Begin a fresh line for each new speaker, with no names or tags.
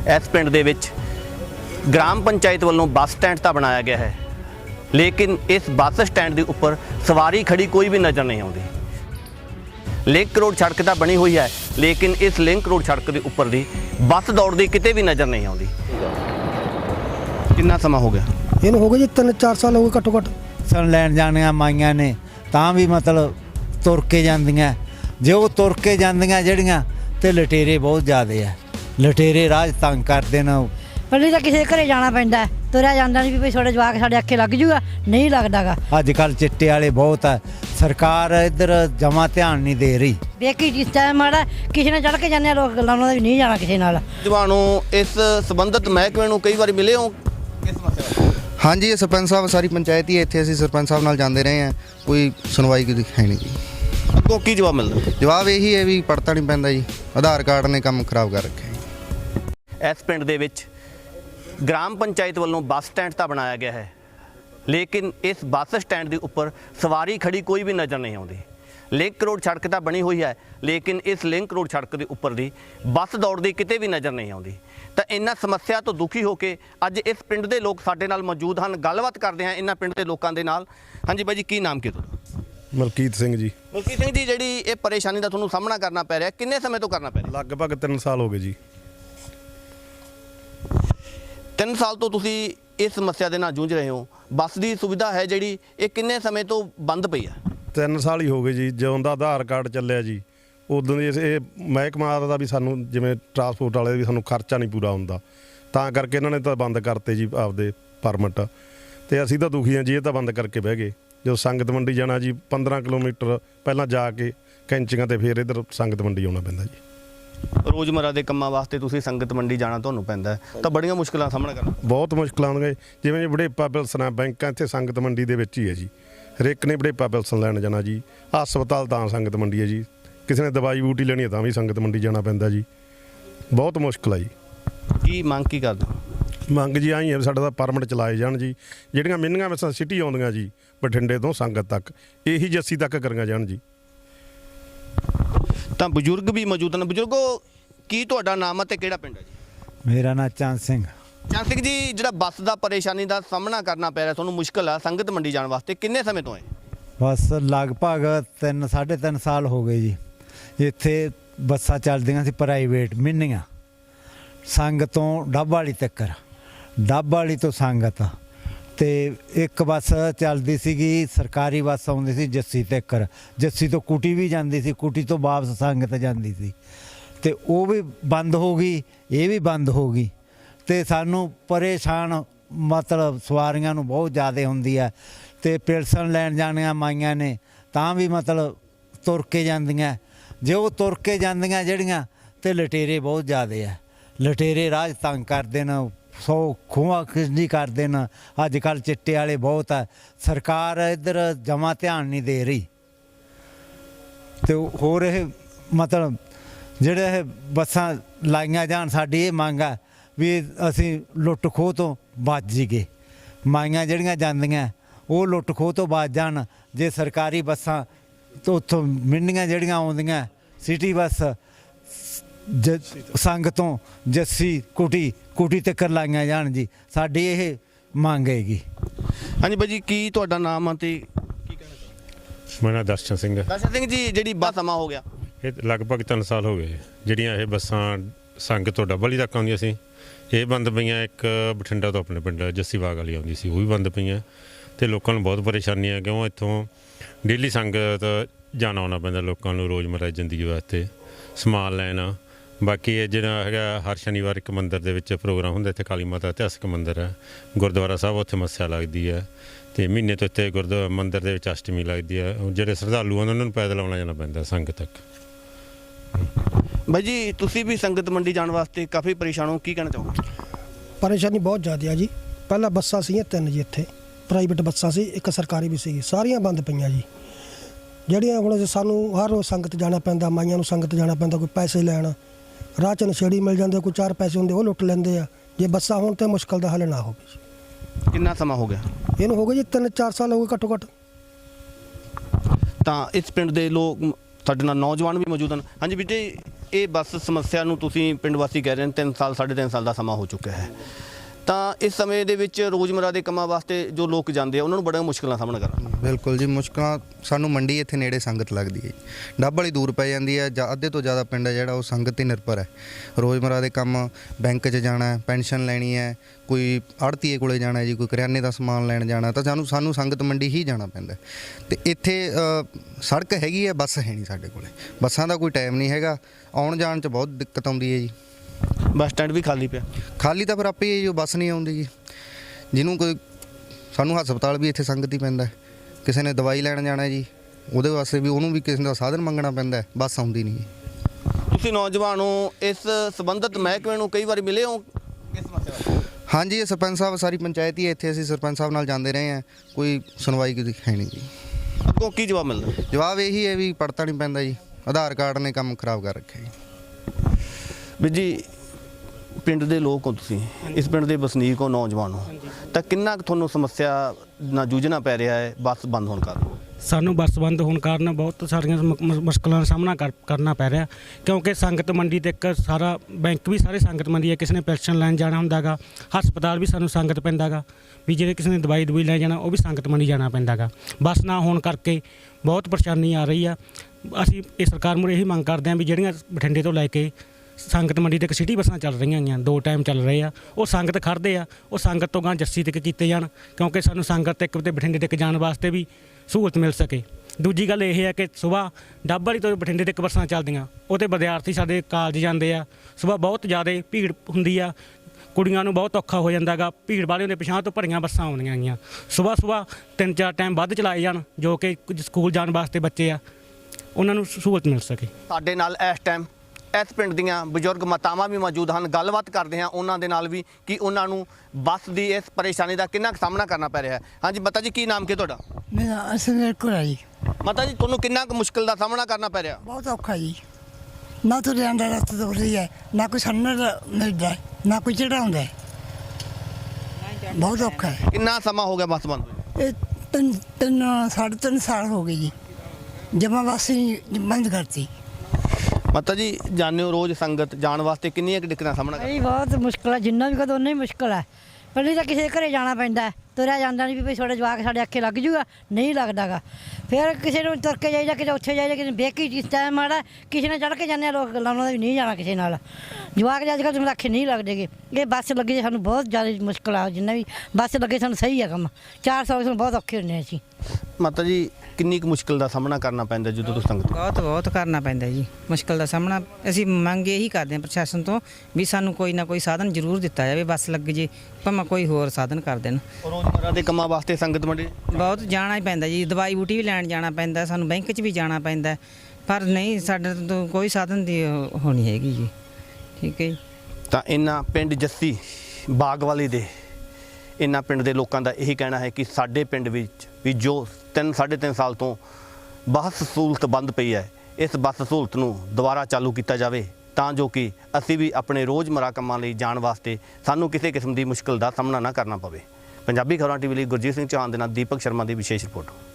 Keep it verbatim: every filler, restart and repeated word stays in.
इस पिंड दे विच ग्राम पंचायत वालों बस स्टैंड तो बनाया गया है, लेकिन इस बस स्टैंड के उपर सवारी खड़ी कोई भी नज़र नहीं आती। लिंक रोड सड़क तो बनी हुई है, लेकिन इस लिंक रोड सड़क के उपर दी बस दौड़ती किते भी नज़र नहीं आती। कितना समा हो गया?
इन हो गए जी तीन चार साल हो गए घट्टो घट्ट।
सन लैन जाने माइयां ने तां भी मतलब तुर के जांदियां, जे वो तुर के जांदियां जड़ियां ते लटेरे बहुत ज़्यादा है। लटेरे राज तंग करते न।
पहले तो किसी घरे जाना पैंदा, तुरया जांदा नहीं भी भाई थोड़े जवाक साढ़े अखे लग जूगा, नहीं लगदा गा।
अजकल चिट्टे वाले बहुत है, सरकार इधर जमा ध्यान नहीं दे रही।
बेकी जिस टाइम माड़ा किसी ने चढ़ के जाने लोग गल्लां उन्हां दी नहीं जाना किसी नाल।
जवानों इस संबंधित महकमे नूं कई बार मिले हो किस समस्या?
हाँ जी, सरपंच साहब सारी पंचायत ही इत्थे असीं सरपंच साहब नाल जांदे रहे हैं, कोई सुनवाई की है नहीं जी।
अगों की जवाब मिलदा?
जवाब यही है भी पड़ता नहीं पैंदा जी, आधार कार्ड ने काम खराब कर रखे हैं।
इस पिंड दे विच ग्राम पंचायत वालों बस स्टैंड तो बनाया गया है, लेकिन इस बस स्टैंड के उपर सवारी खड़ी कोई भी नज़र नहीं आती। लिंक रोड सड़क तो बनी हुई है, लेकिन इस लिंक रोड सड़क के उपर दी बस दौड़ती किते भी नज़र नहीं आती। तो इन्हां समस्या तो दुखी होकर अज इस पिंड के लोग साडे नाल मौजूद हैं, गलबात करते हैं इन्हां पिंड के लोगों के नाल। हाँ जी बाई जी, की नाम की तुहाडा?
मलकीत सिंह जी।
मलकीत सिंह जी, जी ये परेशानी का तुहानूं सामना करना पै रहा, किन्ने समय तो करना पै रहा?
लगभग तीन साल हो गए जी।
तीन साल तो तुसी इस समस्या के नाल जूझ रहे हो। बस की सुविधा है जी, ये किन्ने समय तो बंद पई है?
तीन साल ही हो गए जी, ਜਦੋਂ ਦਾ ਆਧਾਰ ਕਾਰਡ ਚੱਲਿਆ ਜੀ ਉਦੋਂ ਦੀ ਇਹ ਮਹਿਕਮਾ ਦਾ ਵੀ ਸਾਨੂੰ ਜਿਵੇਂ ਟਰਾਂਸਪੋਰਟ ਵਾਲੇ ਵੀ ਸਾਨੂੰ ਖਰਚਾ ਨਹੀਂ ਪੂਰਾ ਹੁੰਦਾ, ਤਾਂ ਕਰਕੇ ਇਹਨਾਂ ਨੇ ਤਾਂ ਬੰਦ ਕਰਤੇ ਜੀ ਆਪਦੇ ਪਰਮਿਟ। ਤੇ ਅਸੀਂ ਤਾਂ ਦੁਖੀ ਹਾਂ ਜੀ, ਇਹ ਤਾਂ ਬੰਦ ਕਰਕੇ ਬਹਿ ਗਏ। ਜੋ ਸੰਗਤ ਮੰਡੀ ਜਾਣਾ ਜੀ पंद्रह ਕਿਲੋਮੀਟਰ ਪਹਿਲਾਂ ਜਾ ਕੇ ਕੈਂਚੀਆਂ ਤੇ ਫਿਰ ਇੱਧਰ ਸੰਗਤ ਮੰਡੀ ਆਉਣਾ ਪੈਂਦਾ ਜੀ।
रोज़मर्रा के ਕੰਮਾਂ ਵਾਸਤੇ ਤੁਸੀਂ ਸੰਗਤ ਮੰਡੀ ਜਾਣਾ ਤੁਹਾਨੂੰ ਪੈਂਦਾ ਤਾਂ ਬੜੀਆਂ ਮੁਸ਼ਕਲਾਂ ਦਾ ਸਾਹਮਣਾ ਕਰਨਾ।
ਬਹੁਤ ਮੁਸ਼ਕਲਾਂ ਆਉਂਦੀਆਂ ਜਿਵੇਂ ਜੀ ਵਡੇਪਾ ਪਿਲਸਣਾ ਬੈਂਕਾਂ ਇੱਥੇ ਸੰਗਤ ਮੰਡੀ ਦੇ ਵਿੱਚ ਹੀ ਹੈ ਜੀ। ਹਰੇਕ ਨੇ ਵਡੇਪਾ ਪਿਲਸਣ ਲੈਣ ਜਾਣਾ ਜੀ, ਹਸਪਤਾਲ ਤਾਂ ਸੰਗਤ ਮੰਡੀ ਹੈ ਜੀ, ਕਿਸੇ ਨੇ ਦਵਾਈ ਬੂਟੀ ਲੈਣੀ ਹੈ ਤਾਂ ਵੀ ਸੰਗਤ ਮੰਡੀ ਜਾਣਾ ਪੈਂਦਾ ਜੀ। ਬਹੁਤ ਮੁਸ਼ਕਲ ਆ ਜੀ।
ਕੀ ਮੰਗ ਕੀ ਕਰਦੇ?
ਮੰਗ ਜੀ ਆਈ ਹੈ ਸਾਡਾ ਤਾਂ ਪਰਮਿਟ ਚਲਾਏ ਜਾਣ ਜੀ, ਜਿਹੜੀਆਂ ਮਿੰਨੀਆਂ ਬੱਸਾਂ ਸਿਟੀ ਆਉਂਦੀਆਂ ਜੀ ਬਠਿੰਡੇ ਤੋਂ ਸੰਗਤ ਤੱਕ, ਇਹੀ ਜੱਸੀ ਤੱਕ ਕਰੀਆਂ ਜਾਣ ਜੀ।
ਤਾਂ ਬਜ਼ੁਰਗ ਵੀ ਮੌਜੂਦ ਨੇ। ਬਜ਼ੁਰਗੋ, ਕੀ ਤੁਹਾਡਾ ਨਾਮ ਅਤੇ ਕਿਹੜਾ ਪਿੰਡ ਹੈ ਜੀ?
मेरा नाम चंद सिंह।
ਚੰਦ ਸਿੰਘ ਜੀ, ਜਿਹੜਾ ਬੱਸ ਦਾ ਪਰੇਸ਼ਾਨੀ ਦਾ ਸਾਹਮਣਾ ਕਰਨਾ ਪੈ ਰਿਹਾ ਤੁਹਾਨੂੰ, ਮੁਸ਼ਕਲ ਆ ਸੰਗਤ ਮੰਡੀ ਜਾਣ ਵਾਸਤੇ, ਕਿੰਨੇ ਸਮੇਂ ਤੋਂ ਹੈ?
बस लगभग तीन साढ़े तीन साल हो गए जी। इत्थे बसां चलदियां सी प्राइवेट मिन्नियां, संगत तो डब वाली तक, डब वाली तो संगत ते एक बस चलदी सीगी सरकारी बस आउंदी सी जस्सी तक, जस्सी तो कुटी भी जांदी सी, कुटी तो वापस संगत जांदी सी, ते वो भी बंद हो गई, ये भी बंद हो गई। ते सानू परेशान मतलब सवारियां नू बहुत ज़्यादा हुंदी है। ते पिलसन लैन जाने माइयां ने तां भी मतलब तुर के जांदियां, जे वो तुर के जांदियां जड़ियां ते लटेरे बहुत ज़्यादा है। लटेरे राज तंग करते न, सौ खूह खिंजी करते न। अजकल चिट्टे वाले बहुत है, सरकार इधर जमा ध्यान नहीं दे रही। तो होर ये मतलब ਜਿਹੜੇ ਇਹ ਬੱਸਾਂ ਲਾਈਆਂ ਜਾਣ, ਸਾਡੀ ਇਹ ਮੰਗ ਹੈ ਵੀ ਅਸੀਂ ਲੁੱਟ ਖੋਹ ਤੋਂ ਬਚ ਜੀਏ। ਮਾਈਆਂ ਜਿਹੜੀਆਂ ਜਾਂਦੀਆਂ ਉਹ ਲੁੱਟ ਖੋਹ ਤੋਂ ਬਚ ਜਾਣ। ਜੇ ਸਰਕਾਰੀ ਬੱਸਾਂ ਤੋਂ ਉੱਥੋਂ ਮਿੰਨੀਆਂ ਜਿਹੜੀਆਂ ਆਉਂਦੀਆਂ ਸਿਟੀ ਬੱਸ ਜ ਸੰਗ ਤੋਂ ਜੱਸੀ ਕੁਟੀ ਕੁਟੀ ਤੱਕ ਲਾਈਆਂ ਜਾਣ ਜੀ, ਸਾਡੀ ਇਹ ਮੰਗ ਹੈਗੀ।
ਹਾਂਜੀ ਬਾਈ ਜੀ, ਕੀ ਤੁਹਾਡਾ ਨਾਮ ਆ ਤੇ ਕੀ ਕਹਿਣਾ ਚਾਹੁੰਦੇ?
ਮੇਰਾ ਦਰਸ਼ਨ ਸਿੰਘ।
ਦਰਸ਼ਨ ਸਿੰਘ ਜੀ, ਜਿਹੜੀ ਬੱਸ ਸਮਾਂ ਹੋ ਗਿਆ
ਇਹ ਲਗਭਗ ਤਿੰਨ ਸਾਲ ਹੋ ਗਏ ਜਿਹੜੀਆਂ ਇਹ ਬੱਸਾਂ ਸੰਗਤ ਤੋਂ ਡੱਬਲੀ ਤੱਕ ਆਉਂਦੀਆਂ ਸੀ, ਇਹ ਬੰਦ ਪਈਆਂ। ਇੱਕ ਬਠਿੰਡਾ ਤੋਂ ਆਪਣੇ ਪਿੰਡ ਜੱਸੀ ਬਾਗ ਵਾਲੀ ਆਉਂਦੀ ਸੀ, ਉਹ ਵੀ ਬੰਦ ਪਈਆਂ। ਅਤੇ ਲੋਕਾਂ ਨੂੰ ਬਹੁਤ ਪਰੇਸ਼ਾਨੀ ਹੈ, ਕਿਉਂ ਇੱਥੋਂ ਡੇਲੀ ਸੰਗਤ ਜਾਣਾ ਆਉਣਾ ਪੈਂਦਾ ਲੋਕਾਂ ਨੂੰ ਰੋਜ਼ਮर्रा ਜ਼ਿੰਦਗੀ ਵਾਸਤੇ ਸਮਾਨ ਲੈਣ। ਬਾਕੀ ਇਹ ਜਿਹੜਾ ਹੈਗਾ ਹਰ ਸ਼ਨੀਵਾਰ ਇੱਕ ਮੰਦਿਰ ਦੇ ਵਿੱਚ ਪ੍ਰੋਗਰਾਮ ਹੁੰਦਾ, ਇੱਥੇ ਕਾਲੀ ਮਾਤਾ ਇਤਿਹਾਸਕ ਮੰਦਿਰ ਹੈ, ਗੁਰਦੁਆਰਾ ਸਾਹਿਬ, ਉੱਥੇ ਮੱਸਿਆ ਲੱਗਦੀ ਹੈ। ਅਤੇ ਮਹੀਨੇ ਤੋਂ ਇੱਥੇ ਗੁਰਦੁਆਰਾ ਮੰਦਿਰ ਦੇ ਵਿੱਚ ਅਸ਼ਟਮੀ ਲੱਗਦੀ ਹੈ। ਜਿਹੜੇ ਸ਼ਰਧਾਲੂ ਹਨ ਉਹਨਾਂ ਨੂੰ ਪੈਦਲ ਆਉਣਾ ਜਾਣਾ ਪੈਂਦਾ ਸੰਗਤ ਤੱਕ।
ਬਾਈ ਜੀ, ਤੁਸੀਂ ਵੀ ਸੰਗਤ ਮੰਡੀ ਜਾਣ ਵਾਸਤੇ ਕਾਫੀ ਪਰੇਸ਼ਾਨ ਹੋ, ਕੀ ਕਹਿਣਾ ਚਾਹੋਗੇ?
ਪਰੇਸ਼ਾਨੀ ਬਹੁਤ ਜ਼ਿਆਦਾ ਆ ਜੀ। ਪਹਿਲਾਂ ਬੱਸਾਂ ਸੀਗੀਆਂ ਤਿੰਨ ਜੀ, ਇੱਥੇ ਪ੍ਰਾਈਵੇਟ ਬੱਸਾਂ ਸੀ, ਇੱਕ ਸਰਕਾਰੀ ਵੀ ਸੀਗੀ, ਸਾਰੀਆਂ ਬੰਦ ਪਈਆਂ ਜੀ। ਜਿਹੜੀਆਂ ਹੁਣ ਸਾਨੂੰ ਹਰ ਰੋਜ਼ ਸੰਗਤ ਜਾਣਾ ਪੈਂਦਾ, ਮਾਈਆਂ ਨੂੰ ਸੰਗਤ ਜਾਣਾ ਪੈਂਦਾ, ਕੋਈ ਪੈਸੇ ਲੈਣ ਰਾਹ 'ਚ ਨਸ਼ੇੜੀ ਮਿਲ ਜਾਂਦੇ, ਕੋਈ ਚਾਰ ਪੈਸੇ ਹੁੰਦੇ ਉਹ ਲੁੱਟ ਲੈਂਦੇ ਆ। ਜੇ ਬੱਸਾਂ ਹੋਣ ਤਾਂ ਮੁਸ਼ਕਲ ਦਾ ਹੱਲ ਨਾ ਹੋਵੇ ਜੀ।
ਕਿੰਨਾ ਸਮਾਂ ਹੋ ਗਿਆ?
ਇਹਨੂੰ ਹੋ ਗਏ ਜੀ ਤਿੰਨ ਚਾਰ ਸਾਲ ਹੋ ਗਏ ਘੱਟੋ ਘੱਟ।
ਤਾਂ ਇਸ ਪਿੰਡ ਦੇ ਲੋਕ ਸਾਡੇ ਨਾਲ ਨੌਜਵਾਨ ਵੀ ਮੌਜੂਦ ਹਨ। ਹਾਂਜੀ ਬੇਟੇ, ਇਹ ਬੱਸ ਸਮੱਸਿਆ ਨੂੰ ਤੁਸੀਂ ਪਿੰਡ ਵਾਸੀ ਕਹਿ ਰਹੇ ਨੇ ਤਿੰਨ ਸਾਲ ਸਾਢੇ ਤਿੰਨ ਸਾਲ ਦਾ ਸਮਾਂ ਹੋ ਚੁੱਕਿਆ ਹੈ, ਤਾਂ ਇਸ ਸਮੇਂ ਦੇ ਵਿੱਚ ਰੋਜ਼ਮਰਾ ਦੇ ਕੰਮਾਂ ਵਾਸਤੇ ਜੋ ਲੋਕ ਜਾਂਦੇ ਆ ਉਹਨਾਂ ਨੂੰ ਬੜੀਆਂ ਮੁਸ਼ਕਲਾਂ ਦਾ ਸਾਹਮਣਾ ਕਰਨਾ।
ਬਿਲਕੁਲ ਜੀ, ਮੁਸ਼ਕਲਾਂ ਸਾਨੂੰ ਮੰਡੀ ਇੱਥੇ ਨੇੜੇ ਸੰਗਤ ਲੱਗਦੀ ਹੈ ਜੀ। ਡੱਬ ਵਾਲੀ ਦੂਰ ਪੈ ਜਾਂਦੀ ਹੈ ਜਾਂ ਅੱਧੇ ਤੋਂ ਜ਼ਿਆਦਾ ਪਿੰਡ ਹੈ ਜਿਹੜਾ ਉਹ ਸੰਗਤ ਤੇ ਨਿਰਭਰ ਹੈ। ਰੋਜ਼ਮਰਾ ਦੇ ਕੰਮ, ਬੈਂਕ 'ਚ ਜਾਣਾ, ਪੈਨਸ਼ਨ ਲੈਣੀ ਹੈ, ਕੋਈ ਆੜਤੀਏ ਕੋਲੇ ਜਾਣਾ ਜੀ, ਕੋਈ ਕਰਿਆਨੇ ਦਾ ਸਮਾਨ ਲੈਣ ਜਾਣਾ, ਤਾਂ ਸਾਨੂੰ ਸਾਨੂੰ ਸੰਗਤ ਮੰਡੀ ਹੀ ਜਾਣਾ ਪੈਂਦਾ। ਤੇ ਇੱਥੇ ਅ, ਸੜਕ ਹੈਗੀ ਹੈ, ਬੱਸ ਹੈ ਨਹੀਂ ਸਾਡੇ ਕੋਲੇ, ਬੱਸਾਂ ਦਾ ਕੋਈ ਟਾਈਮ ਨਹੀਂ ਹੈਗਾ, ਆਉਣ ਜਾਣ 'ਚ ਬਹੁਤ ਦਿੱਕਤ ਆਉਂਦੀ ਹੈ ਜੀ।
ਬੱਸ ਸਟੈਂਡ ਵੀ ਖਾਲੀ ਪਿਆ।
ਖਾਲੀ ਤਾਂ ਫਿਰ ਆਪੇ ਹੀ ਜੋ ਬੱਸ ਨਹੀਂ ਆਉਂਦੀ ਜੀ, ਜਿਹਨੂੰ ਕੋਈ ਸਾਨੂੰ ਹਸਪਤਾਲ ਵੀ ਇੱਥੇ ਸੰਗਤ ਹੀ ਪੈਂਦਾ, ਕਿਸੇ ਨੇ ਦਵਾਈ ਲੈਣ ਜਾਣਾ ਜੀ ਉਹਦੇ ਵਾਸਤੇ ਵੀ ਉਹਨੂੰ ਵੀ ਕਿਸੇ ਦਾ ਸਾਧਨ ਮੰਗਣਾ ਪੈਂਦਾ, ਬੱਸ ਆਉਂਦੀ ਨਹੀਂ।
ਤੁਸੀਂ ਨੌਜਵਾਨ ਹੋ, ਇਸ ਸੰਬੰਧਿਤ ਮਹਿਕਮੇ ਨੂੰ ਕਈ ਵਾਰੀ ਮਿਲੇ ਹੋ ਇਸ ਸਮੱਸਿਆ ਬਾਰੇ?
ਹਾਂਜੀ, ਇਹ ਸਰਪੰਚ ਸਾਹਿਬ ਸਾਰੀ ਪੰਚਾਇਤ ਹੀ ਹੈ ਇੱਥੇ, ਅਸੀਂ ਸਰਪੰਚ ਸਾਹਿਬ ਨਾਲ ਜਾਂਦੇ ਰਹੇ ਹਾਂ, ਕੋਈ ਸੁਣਵਾਈ ਕੋਈ ਹੈ ਨਹੀਂ ਜੀ।
ਅੱਗੋਂ ਕੀ ਜਵਾਬ ਮਿਲਦਾ?
ਜਵਾਬ ਇਹੀ ਹੈ ਵੀ ਪੜਤਾ ਨਹੀਂ ਪੈਂਦਾ ਜੀ, ਆਧਾਰ ਕਾਰਡ ਨੇ ਕੰਮ ਖਰਾਬ ਕਰ ਰੱਖਿਆ ਜੀ।
ਵੀ ਜੀ ਪਿੰਡ ਦੇ ਲੋਕ ਹੋ ਤੁਸੀਂ, ਇਸ ਪਿੰਡ ਦੇ ਵਸਨੀਕ ਹੋ, ਨੌਜਵਾਨ ਹੋ, ਤਾਂ ਕਿੰਨਾ ਕੁ ਤੁਹਾਨੂੰ ਸਮੱਸਿਆ ਨਾਲ ਜੂਝਣਾ ਪੈ ਰਿਹਾ ਹੈ ਬੱਸ ਬੰਦ ਹੋਣ ਕਾਰਨ?
ਸਾਨੂੰ ਬੱਸ ਬੰਦ ਹੋਣ ਕਾਰਨ ਬਹੁਤ ਸਾਰੀਆਂ ਮ- ਮ- ਮੁਸ਼ਕਲਾਂ ਦਾ ਸਾਹਮਣਾ ਕਰ ਕਰਨਾ ਪੈ ਰਿਹਾ, ਕਿਉਂਕਿ ਸੰਗਤ ਮੰਡੀ ਤੇ ਇੱਕ ਸਾਰਾ ਬੈਂਕ ਵੀ ਸਾਰੇ ਸੰਗਤ ਮੰਡੀ ਹੈ, ਕਿਸੇ ਨੇ ਪੈਨਸ਼ਨ ਲੈਣ ਜਾਣਾ ਹੁੰਦਾ ਗਾ, ਹਸਪਤਾਲ ਵੀ ਸਾਨੂੰ ਸੰਗਤ ਪੈਂਦਾ ਗਾ, ਵੀ ਜਿਹੜੇ ਕਿਸੇ ਨੇ ਦਵਾਈ ਦਵਾਈ ਲੈ ਜਾਣਾ ਉਹ ਵੀ ਸੰਗਤ ਮੰਡੀ ਜਾਣਾ ਪੈਂਦਾ ਗਾ। ਬੱਸ ਨਾ ਹੋਣ ਕਰਕੇ ਬਹੁਤ ਪਰੇਸ਼ਾਨੀ ਆ ਰਹੀ ਆ। ਅਸੀਂ ਇਹ ਸਰਕਾਰ ਮੁਰੇ ਇਹੀ ਮੰਗ ਕਰਦੇ ਹਾਂ ਵੀ ਜਿਹੜੀਆਂ ਬਠਿੰਡੇ ਤੋਂ ਲੈ ਕੇ ਸੰਗਤ ਮੰਡੀ ਤੱਕ ਸਿਟੀ ਬੱਸਾਂ ਚੱਲ ਰਹੀਆਂ ਹੈਗੀਆਂ, ਦੋ ਟਾਈਮ ਚੱਲ ਰਹੇ ਆ, ਉਹ ਸੰਗਤ ਖੜ੍ਹਦੇ ਆ, ਉਹ ਸੰਗਤ ਤੋਂ ਗਾਂ ਜੱਸੀ ਤੱਕ ਕੀਤੇ ਜਾਣ, ਕਿਉਂਕਿ ਸਾਨੂੰ ਸੰਗਤ ਤੱਕ ਤੇ ਬਠਿੰਡੇ ਤੱਕ ਜਾਣ ਵਾਸਤੇ ਵੀ ਸਹੂਲਤ ਮਿਲ ਸਕੇ। ਦੂਜੀ ਗੱਲ ਇਹ ਹੈ ਕਿ ਸੁਬਾਹ ਡੱਬ ਵਾਲੀ ਤੋਂ ਬਠਿੰਡੇ ਤੱਕ ਬੱਸਾਂ ਚੱਲਦੀਆਂ, ਉਹ 'ਤੇ ਵਿਦਿਆਰਥੀ ਸਾਡੇ ਕਾਲਜ ਜਾਂਦੇ ਆ, ਸੁਬਾਹ ਬਹੁਤ ਜ਼ਿਆਦਾ ਭੀੜ ਹੁੰਦੀ ਆ, ਕੁੜੀਆਂ ਨੂੰ ਬਹੁਤ ਔਖਾ ਹੋ ਜਾਂਦਾ ਗਾ, ਭੀੜ ਵਾਲਿਆਂ ਦੇ ਪਿਛਾਂਹ ਤੋਂ ਭਰੀਆਂ ਬੱਸਾਂ ਆਉਂਦੀਆਂ ਗੀਆਂ। ਸੁਬਾਹ ਸੁਬਾਹ ਤਿੰਨ ਚਾਰ ਟਾਈਮ ਵੱਧ ਚਲਾਏ ਜਾਣ, ਜੋ ਕਿ ਕੁਝ ਸਕੂਲ ਜਾਣ ਵਾਸਤੇ ਬੱਚੇ ਆ ਉਹਨਾਂ ਨੂੰ ਸਹੂਲਤ ਮਿਲ ਸਕੇ।
ਸਾਡੇ ਨਾਲ ਇਸ ਟਾਈਮ ਇਸ ਪਿੰਡ ਦੀਆਂ ਬਜ਼ੁਰਗ ਮਾਤਾਵਾਂ ਵੀ ਮੌਜੂਦ ਹਨ, ਗੱਲਬਾਤ ਕਰਦੇ ਹਾਂ ਉਹਨਾਂ ਦੇ ਨਾਲ ਵੀ ਕਿ ਉਹਨਾਂ ਨੂੰ ਬੱਸ ਦੀ ਇਸ ਪਰੇਸ਼ਾਨੀ ਦਾ ਕਿੰਨਾ ਕੁ ਸਾਹਮਣਾ ਕਰਨਾ ਪੈ ਰਿਹਾ ਹੈ। ਹਾਂਜੀ ਮਾਤਾ ਜੀ, ਕੀ ਨਾਮ ਕੀ ਤੁਹਾਡਾ?
ਮੇਰਾ ਅਸਲ ਕੋਲ ਜੀ
ਮਾਤਾ ਜੀ, ਤੁਹਾਨੂੰ ਕਿੰਨਾ ਕੁ ਮੁਸ਼ਕਿਲ ਦਾ ਸਾਹਮਣਾ ਕਰਨਾ ਪੈ ਰਿਹਾ?
ਬਹੁਤ ਔਖਾ ਜੀ, ਨਾ ਤੁਰ ਜਾਂਦਾ ਰਸਤਾ ਤੋਂ ਰਹੀ ਹੈ, ਨਾ ਕੋਈ ਸੰਨਰ ਮਿਲਦਾ, ਨਾ ਕੋਈ ਚੜਾਉਂਦਾ, ਬਹੁਤ ਔਖਾ ਹੈ।
ਕਿੰਨਾ ਸਮਾਂ ਹੋ ਗਿਆ ਬੱਸ ਬੰਦ ਹੋਈ?
ਇਹ ਤਿੰਨ ਤਿੰਨ ਸਾਢੇ ਤਿੰਨ ਸਾਲ ਹੋ ਗਏ ਜੀ, ਜਮਾ ਬੱਸ ਹੀ ਬੰਦ ਕਰਤੀ।
ਮਾਤਾ ਜੀ, ਜਾਣਦੇ ਹੋ ਰੋਜ਼ ਸੰਗਤ ਜਾਣ ਵਾਸਤੇ ਕਿੰਨੀਆਂ ਕੁ ਦਿੱਕਤਾਂ ਦਾ ਸਾਹਮਣਾ ਕਰ?
ਇਹ ਬਹੁਤ ਮੁਸ਼ਕਲ ਹੈ, ਜਿੰਨਾ ਵੀ ਕਦੋਂ ਉਨਾ ਹੀ ਮੁਸ਼ਕਲ ਹੈ। ਪਹਿਲੇ ਤਾਂ ਕਿਸੇ ਦੇ ਘਰੇ ਜਾਣਾ ਪੈਂਦਾ ਹੈ, ਤੁਰਿਆ ਜਾਂਦਾ ਨਹੀਂ ਵੀ ਭਈ ਤੁਹਾਡੇ ਜਵਾਕ ਸਾਡੇ ਅੱਖੇ ਲੱਗ ਜੂਗਾ, ਨਹੀਂ ਲੱਗਦਾਗਾ। ਫਿਰ ਕਿਸੇ ਨੂੰ ਤੁਰ ਕੇ ਜਾਈਦਾ, ਕਿਤੇ ਉੱਥੇ ਜਾਈਦਾ, ਕਿਸੇ ਬੇਕੀ ਜਿਸ ਟਾਈਮ ਮਾੜਾ ਕਿਸੇ ਨਾਲ ਚੜ੍ਹ ਕੇ ਜਾਂਦੇ ਆ ਲੋਕ, ਗੱਲਾਂ ਉਹਨਾਂ ਦਾ ਵੀ ਨਹੀਂ ਜਾਣਾ ਕਿਸੇ ਨਾਲ। ਜਵਾਕ ਅੱਜ ਕੱਲ੍ਹ ਤੁਹਾਨੂੰ ਅੱਖੇ ਨਹੀਂ ਲੱਗਦੇਗੇ। ਇਹ ਬੱਸ ਲੱਗੀ ਜੇ ਸਾਨੂੰ ਬਹੁਤ ਜ਼ਿਆਦਾ ਮੁਸ਼ਕਲ ਆ, ਜਿੰਨਾ ਵੀ ਬੱਸ ਲੱਗੇ ਸਾਨੂੰ ਸਹੀ ਆ ਕੰਮ। ਚਾਰ ਸੌ ਸਾਨੂੰ ਬਹੁਤ ਔਖੇ ਹੁੰਦੇ ਅਸੀਂ।
ਮਾਤਾ ਜੀ, ਕਿੰਨੀ ਕੁ ਮੁਸ਼ਕਿਲ ਦਾ ਸਾਹਮਣਾ ਕਰਨਾ ਪੈਂਦਾ ਜਦੋਂ ਤੁਸੀਂ ਸੰਗਤ?
ਬਹੁਤ ਬਹੁਤ ਕਰਨਾ ਪੈਂਦਾ ਜੀ, ਮੁਸ਼ਕਲ ਦਾ ਸਾਹਮਣਾ। ਅਸੀਂ ਮੰਗ ਇਹੀ ਕਰਦੇ ਹਾਂ ਪ੍ਰਸ਼ਾਸਨ ਤੋਂ ਵੀ ਸਾਨੂੰ ਕੋਈ ਨਾ ਕੋਈ ਸਾਧਨ ਜ਼ਰੂਰ ਦਿੱਤਾ ਜਾਵੇ, ਬੱਸ ਲੱਗ ਜੇ, ਭਾਵੇਂ ਕੋਈ ਹੋਰ ਸਾਧਨ ਕਰ ਦੇਣ।
ਰੋਜ਼ਮਰਾ ਦੇ ਕੰਮਾਂ ਵਾਸਤੇ ਸੰਗਤ ਮੰਡੀ
ਬਹੁਤ ਜਾਣਾ ਹੀ ਪੈਂਦਾ ਜੀ, ਦਵਾਈ ਬੂਟੀ ਵੀ ਲੈਣ ਜਾਣਾ ਪੈਂਦਾ, ਸਾਨੂੰ ਬੈਂਕ 'ਚ ਵੀ ਜਾਣਾ ਪੈਂਦਾ, ਪਰ ਨਹੀਂ ਸਾਡੇ ਤੋਂ ਕੋਈ ਸਾਧਨ ਦੀ ਉਹ ਹੋਣੀ ਹੈਗੀ ਜੀ। ਠੀਕ ਹੈ ਜੀ।
ਤਾਂ ਇਹਨਾਂ ਪਿੰਡ ਜੱਸੀ ਬਾਗਵਾਲੀ ਦੇ ਇਹਨਾਂ ਪਿੰਡ ਦੇ ਲੋਕਾਂ ਦਾ ਇਹੀ ਕਹਿਣਾ ਹੈ ਕਿ ਸਾਡੇ ਪਿੰਡ ਵਿੱਚ ਵੀ ਜੋ ਤਿੰਨ ਸਾਢੇ ਤਿੰਨ ਸਾਲ ਤੋਂ ਬੱਸ ਸਹੂਲਤ ਬੰਦ ਪਈ ਹੈ, ਇਸ ਬੱਸ ਸਹੂਲਤ ਨੂੰ ਦੁਬਾਰਾ ਚਾਲੂ ਕੀਤਾ ਜਾਵੇ, ਤਾਂ ਜੋ ਕਿ ਅਸੀਂ ਵੀ ਆਪਣੇ ਰੋਜ਼ਮਰਾ ਕੰਮਾਂ ਲਈ ਜਾਣ ਵਾਸਤੇ ਸਾਨੂੰ ਕਿਸੇ ਕਿਸਮ ਦੀ ਮੁਸ਼ਕਲ ਦਾ ਸਾਹਮਣਾ ਨਾ ਕਰਨਾ ਪਵੇ। ਪੰਜਾਬੀ ਖਬਰਾਂ ਟੀਵੀ ਲਈ ਗੁਰਜੀਤ ਸਿੰਘ ਚੌਹਾਨ ਦੇ ਨਾਲ ਦੀਪਕ ਸ਼ਰਮਾ ਦੀ ਵਿਸ਼ੇਸ਼ ਰਿਪੋਰਟ।